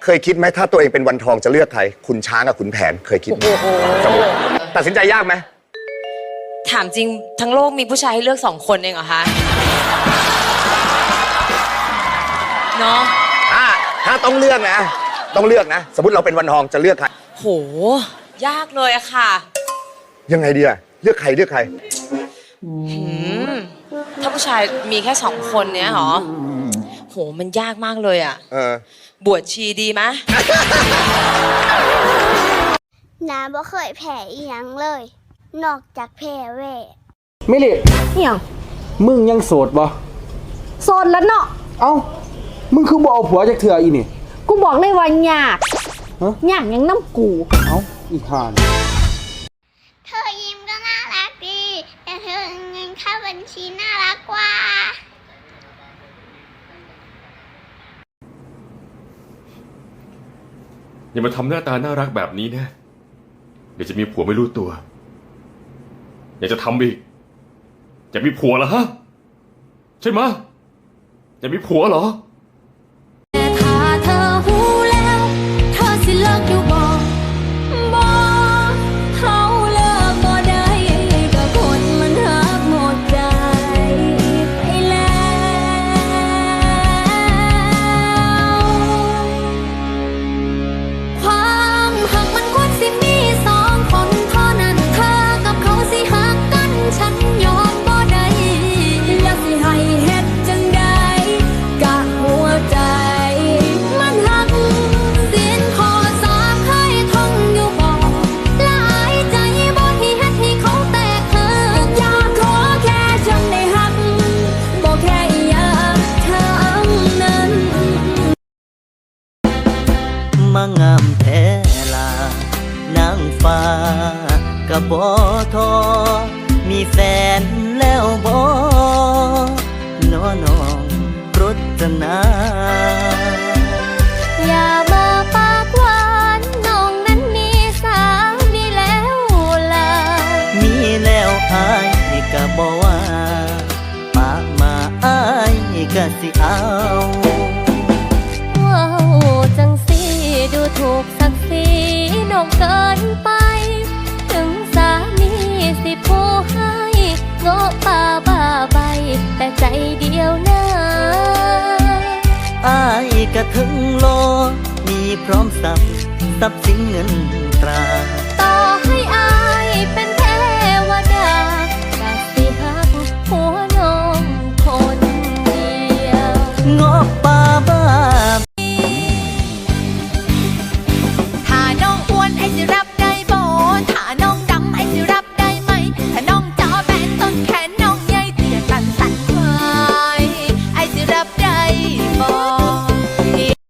เคยคิดไหมถ้าตัวเองเป็นวันทองจะเลือกใครคุณช้างกับขุนแผนเคยคิดไหมสมมติตัดสินใจยากไหมถามจริงทั้งโลกมีผู้ชายให้เลือก2 คนเองเหรอคะเนาะถ้าต้องเลือกนะสมมติเราเป็นวันทองจะเลือกใครโหยากเลยอะค่ะยังไงดีอะเลือกใครถ้าผู้ชายมีแค่2 คนเนี้ยเหรอโหมันยากมากเลยอะบวชชีดีไหมน้าบ่เคยแพ้อีหยังเลยนอกจากแพ้เว่ไม่เลยเนี่ยมึงยังโสดบ่โสดแล้วเนาะเอ้ามึงคือบ่เอาผัวจากเถื่ออีนี่กูบอกเลยว่ายากยากยังน้ำกูเอ้าอีห่านเธอยิ้มก็น่ารักดีแต่เธอเงินเข้าบัญชีน่ารักกว่าอย่ามาทำหน้าตาน่ารักแบบนี้นะเดี๋ยวจะมีผัวไม่รู้ตัวอยากจะทำอีกอยากมีผัวเหรอฮะใช่ไหมอยากมีผัวเหรอแต่ถ้าเธอหูแล้วเธอสิเลิกอยู่บ่เขาเลิกบ่ได้ก็คนมันหักหมดใจไปแล้วความหักมันควรสิมี2 คนเท่านั้นเธอกับเขาสิหักกันฉันยอมบ่ได้แล้วสิให้เฮ็ดจังใดกะหัวใจมันหักสิ้นข้อ3เคยท่องอยู่บ่หลายใจบ่ที่เฮ็ดให้เขาแตกหักอยากขอแค่ฉันได้หักบ่แค่อยากทั้งนั้นมางามแท้ลานางฟ้ากับบ่ทอมีแฟนแล้วบ่น้องรจนาอย่ามาปากหวานน้องนั้นมีสามีแล้วล่ะมีแล้วอายก็บ่ว่าปากมาอายก็สิเอาว้าวจังสิดูถูกศักดิ์ศรีน้องเกินไปถึงสามีสิผู้ให้โง่ป่าบ้าใบแต่ใจเดียวนะอายก็ถึงโลมีพร้อมทรัพย์สินเงินตราต่อให้อายเป็น